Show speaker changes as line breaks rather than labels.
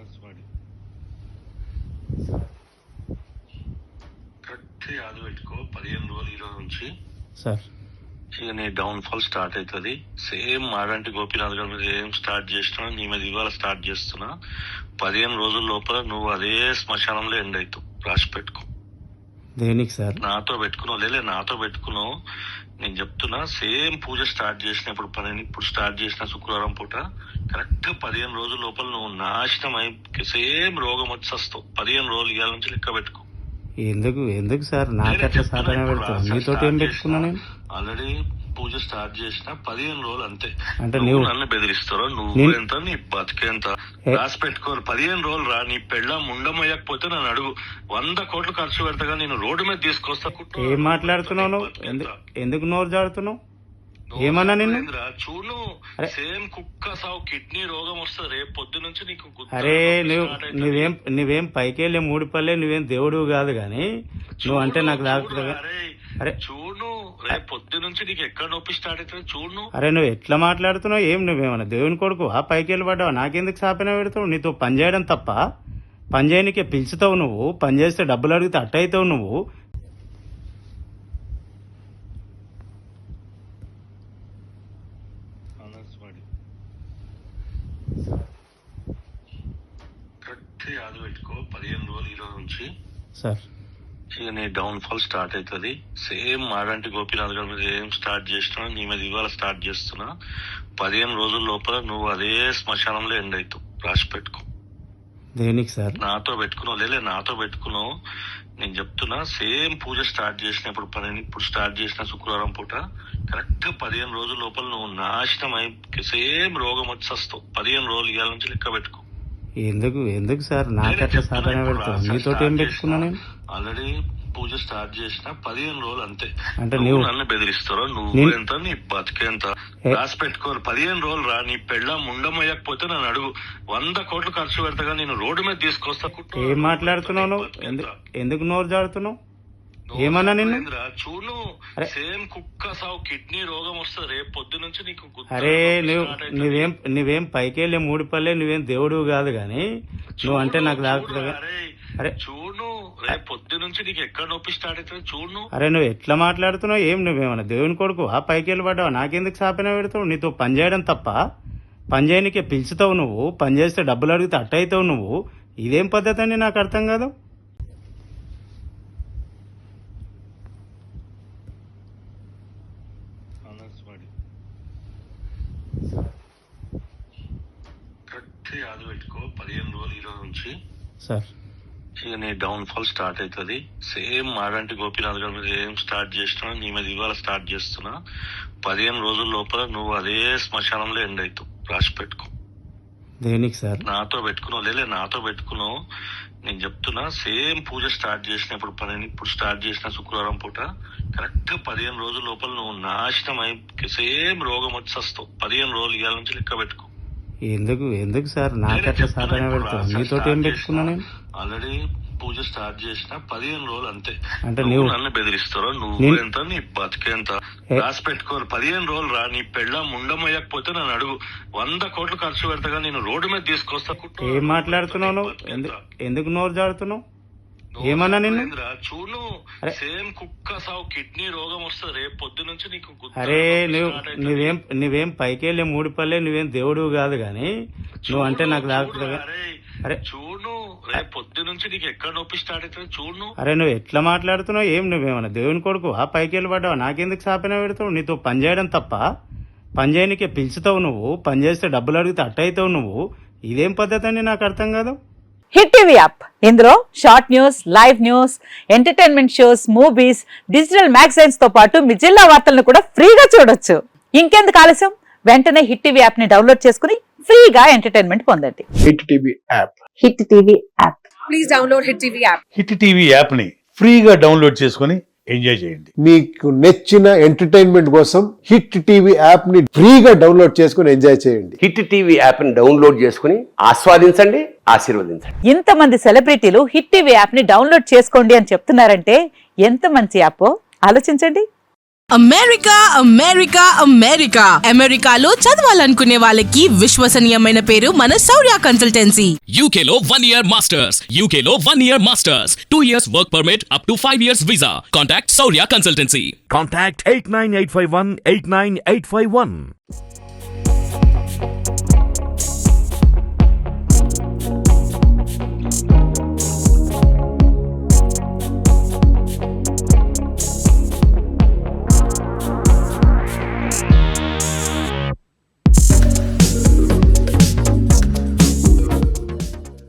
Correct యాద పెట్టుకో 15 రోజులు ఈ రోజు నుంచి
సార్.
ఇక నీ డౌన్ ఫాల్ స్టార్ట్ అవుతుంది. సేమ్ మాడంటి గోపీనాథ్ గారి మీద ఏం స్టార్ట్ చేసినా నీ మీద ఇవాళ స్టార్ట్ చేస్తున్నా. 15 రోజుల లోపల నువ్వు అదే శ్మశానంలో ఎండ్ అవుతావు. రాసి పెట్టుకో.
దేనికి సార్?
నాతో పెట్టుకున్నావు లేలే, నాతో పెట్టుకున్నావు. నేను చెప్తున్నా, సేమ్ పూజ స్టార్ట్ చేసిన ఇప్పుడు స్టార్ట్ చేసిన శుక్రవారం పూట కరెక్ట్ 15 రోజుల లోపల నువ్వు నాశనం అయి సేమ్ రోగం వచ్చి వస్తావు. 15 రోజులు ఇవాళ నుంచి లెక్క పెట్టుకో.
ఎందుకు సార్ నాకట్లా సాధన పెడతావు? నీతో ఏం పెట్టుకున్నా నేను?
ఆల్రెడీ పూజ స్టార్ట్ చేసిన 15 రోజులు అంతే.
అంటే
నువ్వు నన్ను బెదిరిస్తారో నువ్వు ఎంత నీ బతికేంత రాసి పెట్టుకోరు. 15 రోజులు రా. నీ పెళ్ళ ముండమయ్యకపోతే నన్ను అడుగు. 100 కోట్లు ఖర్చు పెడతాగా నేను రోడ్డు మీద తీసుకొస్తా.
ఏం మాట్లాడుతున్నావు నువ్వు? ఎందుకు నోరు జాడుతున్నావు? ఏమన్నా నిన్ను?
చూడు, సేమ్ కుక్క సావు కిడ్నీ రోగం వస్తుంది రేపు పొద్దు నుంచి నీకు.
అరే నువ్వేం పైకెళ్ళే 3 పల్లె, నువ్వేం దేవుడు కాదు గాని నువ్వు అంటే నాకు దాకుతుందా? అరే
చూడు, రేపు పొద్దు నుంచి నీకు ఎక్కడ నొప్పి స్టార్ట్ అవుతుంది చూడు.
అరే నువ్వు ఎట్లా మాట్లాడుతున్నావు? నువ్వేమన్నా దేవుని కొడుకు ఆ పైకెళ్ళి పడ్డావు? నాకెందుకు సాపన పెడతావు? నీతో పని చేయడం తప్ప పని చేయనికే పిలుచుతావు నువ్వు. పని చేస్తే డబ్బులు అడిగితే అట్ట అవుతావు నువ్వు. కరెక్ట్ యాద పెట్టుకో 15 రోజులు ఈ రోజు నుంచి సార్.
ఇక నీ డౌన్ ఫాల్ స్టార్ట్ అవుతుంది. సేమ్ మాడంటి గోపీనాథ్ గారి మీద ఏం స్టార్ట్ చేసినా నీ మీద ఇవాళ స్టార్ట్ చేస్తున్నా. 15 రోజుల లోపల నువ్వు అదే శ్మశానంలో ఎండ్ అవుతావు. రాసి పెట్టుకో.
దేనికి సార్?
నాతో పెట్టుకున్నావు లేలే, నాతో పెట్టుకున్నావు. నేను చెప్తున్నా, సేమ్ పూజ స్టార్ట్ చేసిన ఇప్పుడు స్టార్ట్ చేసిన శుక్రవారం పూట కరెక్ట్ 15 రోజుల లోపల నువ్వు నాశనం అయి సేమ్ రోగం వచ్చి వస్తావు. 15 రోజులు ఇవాళ నుంచి లెక్క పెట్టుకో.
ఎందుకు సార్ నాకట్లా సాధన పెడతావు? నీతో ఏం పెట్టుకున్నా నేను?
ఆల్రెడీ పూజ స్టార్ట్ చేసిన 15 రోజులు అంతే.
అంటే
నువ్వు నన్ను బెదిరిస్తారో నువ్వు ఎంత నీ బతికేంత రాసి పెట్టుకోరు. 15 రోజులు రా. నీ పెళ్ళ ముండమయ్యకపోతే నన్ను అడుగు. 100 కోట్లు ఖర్చు పెడతాగా నేను రోడ్డు మీద తీసుకొస్తా.
ఏం మాట్లాడుతున్నావు నువ్వు? ఎందుకు నోరు జాడుతున్నావు? ఏమన్నా నిన్ను?
చూడు, సేమ్ కుక్క సావు కిడ్నీ రోగం వస్తుంది రేపు పొద్దు నుంచి నీకు.
అరే నువ్వేం పైకెళ్ళే 3 పల్లె, నువ్వేం దేవుడు కాదు గాని నువ్వు అంటే నాకు దాకుతుందా? అరే
చూడు, రేపు పొద్దు నుంచి నీకు ఎక్కడ నొప్పి స్టార్ట్ అవుతుంది చూడు.
అరే నువ్వు ఎట్లా మాట్లాడుతున్నావు? నువ్వేమన్నా దేవుని కొడుకు ఆ పైకెళ్ళి పడ్డావు? నాకెందుకు సాపన పెడతావు? నీతో పని చేయడం తప్ప పని చేయనికే పిలుచుతావు నువ్వు. పని చేస్తే డబ్బులు అడిగితే అట్ట అవుతావు నువ్వు. ఇదేం పద్ధతి అని నాకు అర్థం కాదు. కరెక్ట్ యాద పెట్టుకో 15 రోజులు ఈ రోజు నుంచి సార్.
ఇక నీ డౌన్ ఫాల్ స్టార్ట్ అవుతుంది. సేమ్ మాడంటి గోపీనాథ్ గారి మీద ఏం స్టార్ట్ చేసినా నీ మీద ఇవాళ స్టార్ట్ చేస్తున్నా. 15 రోజుల లోపల నువ్వు అదే శ్మశానంలో ఎండ్ అవుతావు. రాసి పెట్టుకో.
దేనికి సార్?
నాతో పెట్టుకున్నావు లేలే, నాతో పెట్టుకున్నావు. నేను చెప్తున్నా, సేమ్ పూజ స్టార్ట్ చేసిన ఇప్పుడు స్టార్ట్ చేసిన శుక్రవారం పూట కరెక్ట్ 15 రోజుల లోపల నువ్వు నాశనం అయి సేమ్ రోగం వచ్చి వస్తావు. 15 రోజులు ఇవాళ నుంచి లెక్క పెట్టుకో.
ఎందుకు సార్ నాకట్లా సాధన పెడతావు? నీతో ఏం పెట్టుకున్నా నేను?
ఆల్రెడీ పూజ స్టార్ట్ చేసిన 15 రోజులు అంతే.
అంటే
నువ్వు నన్ను బెదిరిస్తారో నువ్వు ఎంత నీ బతికేంత రాసి పెట్టుకోరు. 15 రోజులు రా. నీ పెళ్ళ ముండమయ్యకపోతే నన్ను అడుగు. 100 కోట్లు ఖర్చు పెడతాగా నేను రోడ్డు మీద తీసుకొస్తా.
ఏం మాట్లాడుతున్నావు నువ్వు? ఎందుకు నోరు జాడుతున్నావు? ఏమన్నా నిన్ను?
చూడు, సేమ్ కుక్క సావు కిడ్నీ రోగం వస్తుంది రేపు పొద్దు నుంచి నీకు.
అరే నువ్వేం పైకెళ్ళే 3 పల్లె, నువ్వేం దేవుడు కాదు గాని నువ్వు అంటే నాకు దాకుతుందా? అరే
చూడు, రేపు పొద్దు నుంచి నీకు ఎక్కడ నొప్పి స్టార్ట్ అవుతుంది చూడు.
అరే నువ్వు ఎట్లా మాట్లాడుతున్నావు? నువ్వేమన్నా దేవుని కొడుకు ఆ పైకెళ్ళి పడ్డావు? నాకెందుకు సాపన పెడతావు? నీతో పని చేయడం తప్ప పని చేయనికే పిలుచుతావు నువ్వు. పని చేస్తే డబ్బులు అడిగితే అట్ట అవుతావు నువ్వు. ఇదేం పద్ధతి అని నాకు అర్థం కాదు.
హిట్ టీవీ యాప్, ఇందులో short news, live news, entertainment shows, movies, digital magazines తో పాటు మీ జిల్లా వార్తలను కూడా ఫ్రీగా చూడొచ్చు. ఇంకెందుకు ఆలస్యం? వెంటనే హిట్ టీవీ యాప్ ని డౌన్లోడ్ చేసుకుని ఫ్రీగా ఎంటర్టైన్మెంట్ పొందండి.
Hit TV app.
Hit TV app.
Please download hit TV app.
Hit TV app ని ఫ్రీగా డౌన్లోడ్ చేసుకుని ఎంజాయ్ చేయండి.
మీకు నచ్చిన ఎంటర్టైన్మెంట్ కోసం హిట్ టీవీ యాప్ ని ఫ్రీగా డౌన్లోడ్ చేసుకుని ఎంజాయ్ చేయండి.
హిట్ టీవీ యాప్ ని డౌన్లోడ్ చేసుకుని ఆస్వాదించండి, ఆశీర్వదించండి.
ఇంతమంది సెలబ్రిటీలు హిట్ టీవీ యాప్ ని డౌన్లోడ్ చేసుకోండి అని చెప్తున్నారంటే ఎంత మంచి యాప్ ఆలోచించండి.
అమెరికా అమెరికా అమెరికా అమెరికాలో చదవాలనుకునే వాళ్ళకి విశ్వసనీయమైన పేరు మన శౌర్య కన్సల్టెన్సీ.
UK లో 1 year masters. UK లో 1 year masters. 2 years work permit up to 5 years visa. Contact Saurya Consultancy.
Contact 89851 89851.